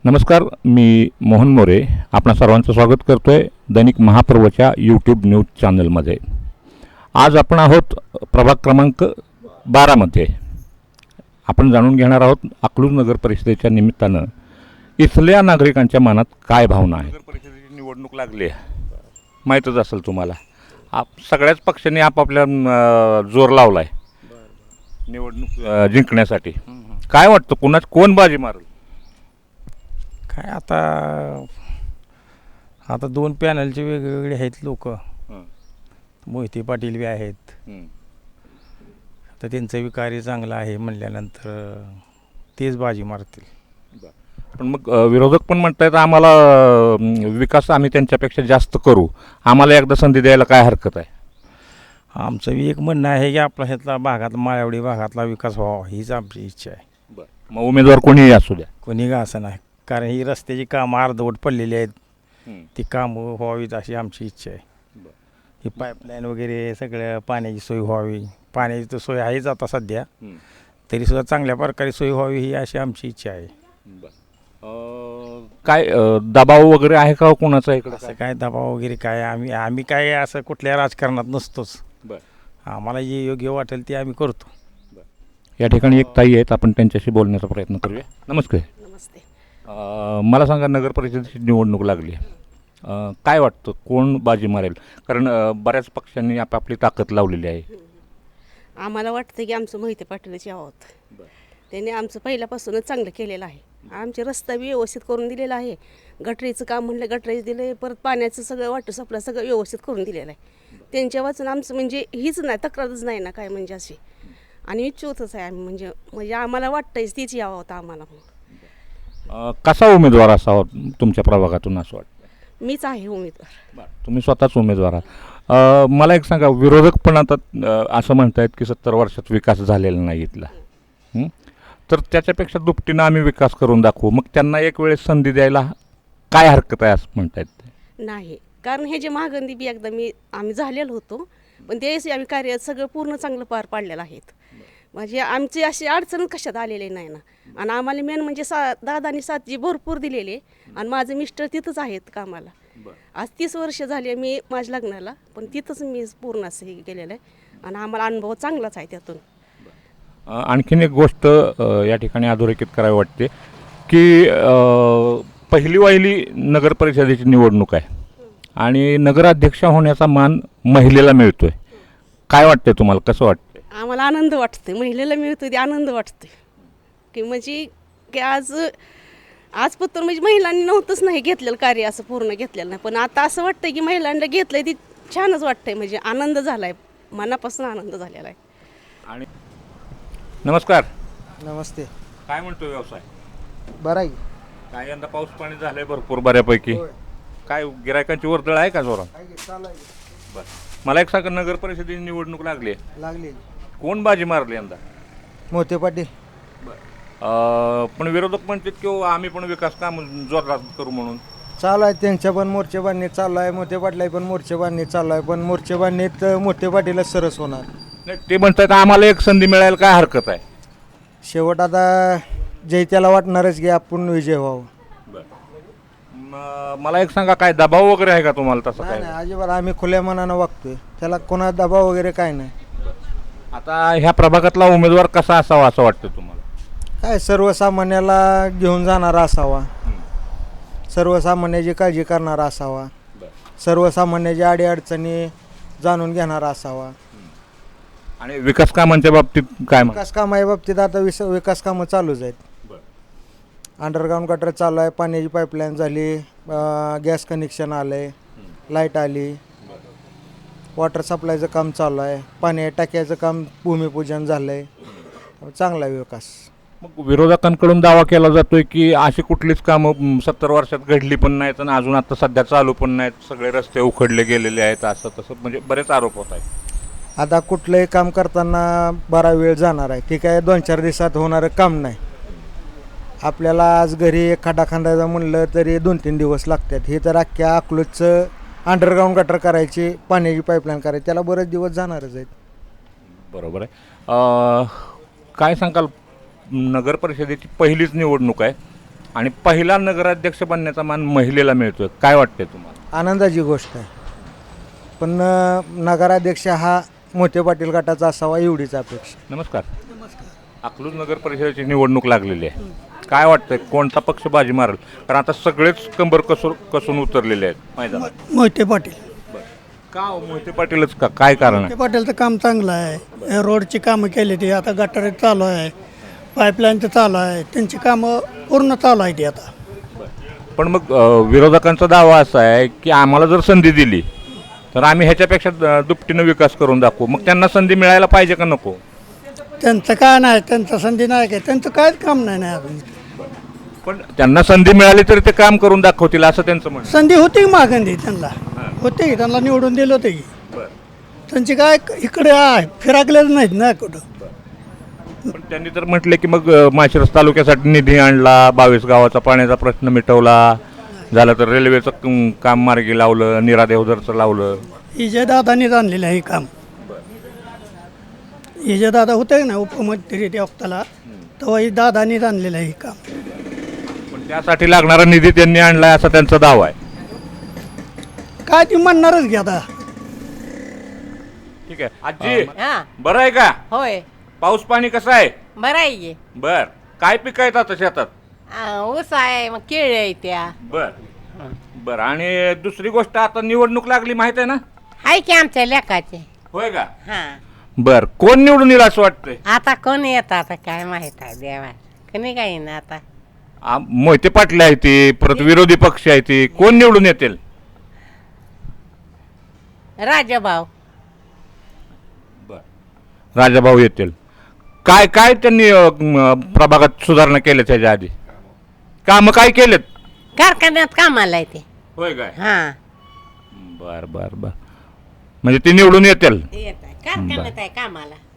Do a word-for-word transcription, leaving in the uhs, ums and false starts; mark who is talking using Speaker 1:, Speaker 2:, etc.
Speaker 1: नमस्कार, मी मोहन मोरे आपणा सर्वांचं स्वागत करतोय दैनिक महापर्वच्या यूट्यूब न्यूज चॅनलमध्ये. आज आपण आहोत प्रभाग क्रमांक बारामध्ये. आपण जाणून घेणार आहोत अकलूज नगर परिषदेच्या निमित्तानं इथल्या नागरिकांच्या मनात काय भावना आहे. नगर परिषदेची निवडणूक लागली आहे, माहीतच असेल तुम्हाला. आप सगळ्याच पक्षांनी आपापल्या जोर लावला आहे निवडणूक जिंकण्यासाठी. काय वाटतं, कुणाच कोण बाजी मारेल?
Speaker 2: काय आता आता दोन पॅनलचे वेगवेगळे आहेत लोक. मोहिते पाटील बी आहेत. आता त्यांचं बी कार्य चांगलं आहे म्हणल्यानंतर तेच बाजी मारतील.
Speaker 1: पण मग विरोधक पण म्हणतायत आम्हाला विकास आम्ही त्यांच्यापेक्षा जास्त करू, आम्हाला एकदा संधी द्यायला काय हरकत आहे?
Speaker 2: आमचं बी एक म्हणणं आहे की आपला ह्यातला भागात माळवडी भागातला विकास व्हावा हीच आमची इच्छा आहे.
Speaker 1: मग उमेदवार कोणीही असू द्या,
Speaker 2: कोणी का असं नाही, कारण ही रस्त्याची कामं अर्धवट पडलेली आहेत. ती कामं व्हावीत अशी आमची इच्छा आहे. ही पाईपलाईन वगैरे सगळं पाण्याची सोय व्हावी. पाण्याची तर सोय आहेच आता सध्या, तरीसुद्धा चांगल्या प्रकारे सोय व्हावी ही अशी आमची इच्छा आहे.
Speaker 1: काय दबाव वगैरे आहे का कोणाचा इकडं?
Speaker 2: असं काय दबाव वगैरे काय, आम्ही आम्ही काय असं कुठल्या राजकारणात नसतोच. आम्हाला जे योग्य वाटेल ते आम्ही करतो.
Speaker 1: या ठिकाणी एक ताई आहेत, आपण त्यांच्याशी बोलण्याचा प्रयत्न करूया. नमस्कार.
Speaker 3: नमस्ते.
Speaker 1: मला सांगा, नगर परिषदेची निवडणूक लागली, काय वाटतं कोण बाजी मारेल? कारण बऱ्याच पक्षांनी आपापली ताकद लावलेली आहे.
Speaker 3: आम्हाला वाटतं की आमचं मोहिते पाटीलच यावं. त्यांनी आमचं पहिल्यापासूनच चांगलं केलेलं आहे. आमचे रस्ता बी व्यवस्थित करून दिलेला आहे. गटरीचं काम म्हणलं गटरीच दिलं आहे. परत पाण्याचं सगळं वॉटर सप्लाय सगळं व्यवस्थित करून दिलेलं आहे. त्यांच्या वाचून आमचं म्हणजे हीच नाही, तक्रारच नाही ना काय म्हणजे अशी. आणि इच्छुकच आहे आम्ही, म्हणजे म्हणजे आम्हाला वाटतंच तीच यावं होतं आम्हाला.
Speaker 1: कसा उमेदवार असावा तुमच्या प्रभागातून असं वाटतं?
Speaker 3: मीच आहे उमेदवार.
Speaker 1: तुम्ही स्वतःच उमेदवार आहात. मला एक सांगा, विरोधक पण आता असं म्हणतायत की सत्तर वर्षात विकास झालेला नाही इथला, तर त्याच्यापेक्षा दुपटीनं आम्ही विकास करून दाखवू, मग त्यांना एक वेळेस संधी द्यायला काय हरकत आहे असं म्हणतायत ते?
Speaker 3: नाही, कारण हे जे महागंदी बी एकदा मी आम्ही झालेलो होतो, पण त्यावेळेस आम्ही कार्य सगळं पूर्ण चांगलं पार पाडलेलं आहेत. म्हणजे आमची अशी अडचण कशात आलेली नाही ना. आणि आम्हाला मेन म्हणजे सा दादानी साथ जी भरपूर दिलेली, आणि माझे मिस्टर तिथंच आहेत कामाला. आज तीस वर्ष झाली मी माझ्या लग्नाला, पण तिथंच मी पूर्ण असं हे केलेलं आहे. आणि आम्हाला अनुभव चांगलाच आहे त्यातून.
Speaker 1: आणखीन एक गोष्ट या ठिकाणी अधोरेखित करावी वाटते की पहिली वाहिली नगर परिषदेची निवडणूक आहे आणि नगराध्यक्ष होण्याचा मान महिलेला मिळतोय. काय वाटतंय तुम्हाला, कसं वाटतं?
Speaker 3: आम्हाला आनंद वाटतो, महिलेला मिळतो ते आनंद वाटतो की म्हणजे की आज आजपत्र म्हणजे महिलांनी नव्हतंच नाही घेतलेलं कार्य, असं पूर्ण घेतलेलं नाही. पण आता असं वाटतं की महिलांना घेतलंय ती छानच वाटतंय, म्हणजे आनंद झाला आहे, मनापासून आनंद झालेला आहे. आणि
Speaker 4: नमस्कार.
Speaker 2: नमस्ते.
Speaker 4: काय म्हणतो व्यवसाय?
Speaker 2: बरं आहे.
Speaker 4: काय यंदा पाऊस पाणी झालंय भरपूर बऱ्यापैकी, काय गिरायकांची वर्दळ आहे का जोरात? बरं, मला एक सांगा, नगर परिषदेची निवडणूक लागली
Speaker 2: लागली
Speaker 4: कोण बाजी मारली यंदा?
Speaker 2: मोहिते पाटील.
Speaker 4: पण विरोधक म्हणतात की आम्ही पण विकास काम जोरात करू म्हणून.
Speaker 2: चालू आहे, त्यांच्या पण मोर्चे बांधणी चालू आहे, मोठे पाटला पण मोर्चे बांधणी चालू आहे. पण मोर्चे बांधणीत मोठे पाटीलच सरस होणार.
Speaker 4: नाही, ते म्हणतात आम्हाला एक संधी मिळायला काय हरकत आहे?
Speaker 2: शेवट आता जे त्याला वाटणारच की आपण विजय व्हावं.
Speaker 4: मला एक सांगा, काय दबाव वगैरे आहे का तुम्हाला तसं? काय
Speaker 2: नाही, अजिबात आम्ही खुल्या मनानं वागतोय, त्याला कोणा दबाव वगैरे काय नाही.
Speaker 4: आता ह्या प्रभागातला उमेदवार कसा असावा असं वाटतं तुम्हाला?
Speaker 2: काय सर्वसामान्याला घेऊन जाणारा असावा, सर्वसामान्याची काळजी करणारा असावा, सर्वसामान्याच्या अडीअडचणी जाणून घेणारा असावा.
Speaker 4: आणि विकास कामांच्या बाबतीत काय?
Speaker 2: विकास कामाच्या बाबतीत आता विस विकास कामं चालूच आहेत. अंडरग्राऊंड गटर चालू आहे, पाण्याची पाईपलाईन झाली, गॅस कनेक्शन आलं आहे, लाईट आली, वॉटर सप्लायचं काम चालू आहे, पाणी टाक्याचं काम भूमिपूजन झालं आहे. चांगला आहे विकास.
Speaker 4: मग विरोधकांकडून दावा केला जातोय की अशी कुठलीच कामं सत्तर वर्षात घडली पण नाहीत आणि अजून आता सध्या चालू पण नाहीत, सगळे रस्ते उखडले गेलेले आहेत, असं तसं म्हणजे बरेच आरोप होत आहेत.
Speaker 2: आता कुठलंही काम करताना बरा वेळ जाणार आहे, ते काय दोन चार दिवसात होणारं काम नाही. आपल्याला आज घरी एक खड्डा खांदायचं म्हणलं तरी दोन तीन दिवस लागतात. हे तर अख्ख्या अकलूजचं अंडरग्राऊंड गटर करायची, पाण्याची पाईपलाईन करायची, त्याला बरेच दिवस जाणारच आहेत.
Speaker 4: बरोबर आहे. काय सांगाल, नगर परिषदेची पहिलीच निवडणूक आहे, आणि पहिला नगराध्यक्ष बनण्याचा मान महिलेला मिळतोय, काय वाटतंय तुम्हाला?
Speaker 2: आनंदाची गोष्ट आहे. पण अ, नगराध्यक्ष हा मोठे पाटील गटाचा असावा एवढीच अपेक्षा.
Speaker 4: नमस्कार. अकलूज नगर परिषदेची निवडणूक लागलेली आहे, काय वाटतंय कोणता पक्ष बाजी मारेल? कारण आता सगळेच कंबर कसून कसून उतरलेले आहेत मैदानात.
Speaker 5: मोहिते पाटील
Speaker 4: का हो, मोहिते पाटीलच का, काय कारण आहे?
Speaker 5: मोहिते पाटीलचं काम चांगलं आहे. हे रोडची कामं केली ती आता गटार चालू आहे, पाईपलाईनचं चालू आहे, त्यांची कामं पूर्ण चालू आहे ती आता.
Speaker 4: पण मग अ, विरोधकांचा दावा असा आहे की आम्हाला जर संधी दिली तर आम्ही ह्याच्यापेक्षा द- दुपटीनं विकास करून दाखवू. मग त्यांना संधी मिळायला पाहिजे का नको?
Speaker 5: त्यांचं काय नाही, त्यांचं संधी नाही काय, त्यांचं काहीच काम नाही नाही अजून.
Speaker 4: पण त्यांना संधी मिळाली तरी ते काम करून दाखवतील असं त्यांचं म्हणणं.
Speaker 5: संधी होती मागंदी त्यांना, होती की त्यांना निवडून दिलं होतं की. त्यांची काय इकडे आहे, फिराकलेच नाहीत ना कुठं.
Speaker 4: पण त्यांनी तर म्हटले की मग अ, माळशिरस तालुक्यासाठी निधी आणला, बावीस गावाचा पाण्याचा प्रश्न मिटवला, झालं तर रेल्वेचं क- काम मार्गी लावलं, नीरा देवधरचं लावलं.
Speaker 5: इजे दादानीच आणलेलं आहे हे काम. इजे दादा होते ना उपमुख्यमंत्री त्या वक्ताला, तेव्हा ही दादानीच आणलेलं आहे हे काम.
Speaker 4: पण त्यासाठी लागणारा निधी त्यांनी आणलाय असा त्यांचा दावा आहे.
Speaker 5: काय ती म्हणणारच घ्या आता.
Speaker 4: ठीक आहे आजी,
Speaker 6: हा
Speaker 4: बरं आहे का?
Speaker 6: होय
Speaker 4: पाऊस पाणी कसं आहे?
Speaker 6: बरं आहे की.
Speaker 4: बर, काय पिक आहेत आता शेतात?
Speaker 6: आ, ऊस आहे मग केळी आहे त्या.
Speaker 4: बर बर. आणि दुसरी गोष्ट, आता निवडणूक लागली माहित आहे ना?
Speaker 6: आहे की आमच्या लेकाचे.
Speaker 4: होय का?
Speaker 6: हा
Speaker 4: बर, कोण निवडून येईल असं वाटतंय?
Speaker 6: आता कोण येत आता काय माहित आहे देवा, कोणी काही ना आता.
Speaker 4: आ, मोहिते पाटील आहे ती, परत विरोधी पक्ष आहे ती, कोण निवडून येतील?
Speaker 6: राजाभाऊ.
Speaker 4: राजाभाऊ येतील. काय काय त्यांनी अ, म, प्रभागात सुधारणा केल्या त्याच्या आधी? काम काय केलेत?
Speaker 6: कारखान्यात कामाला आहे ते.
Speaker 4: होय काय?
Speaker 6: हा
Speaker 4: बर बर बर. म्हणजे ते निवडून येतील.
Speaker 6: येत आहे कारखान्यात आहे कामाला.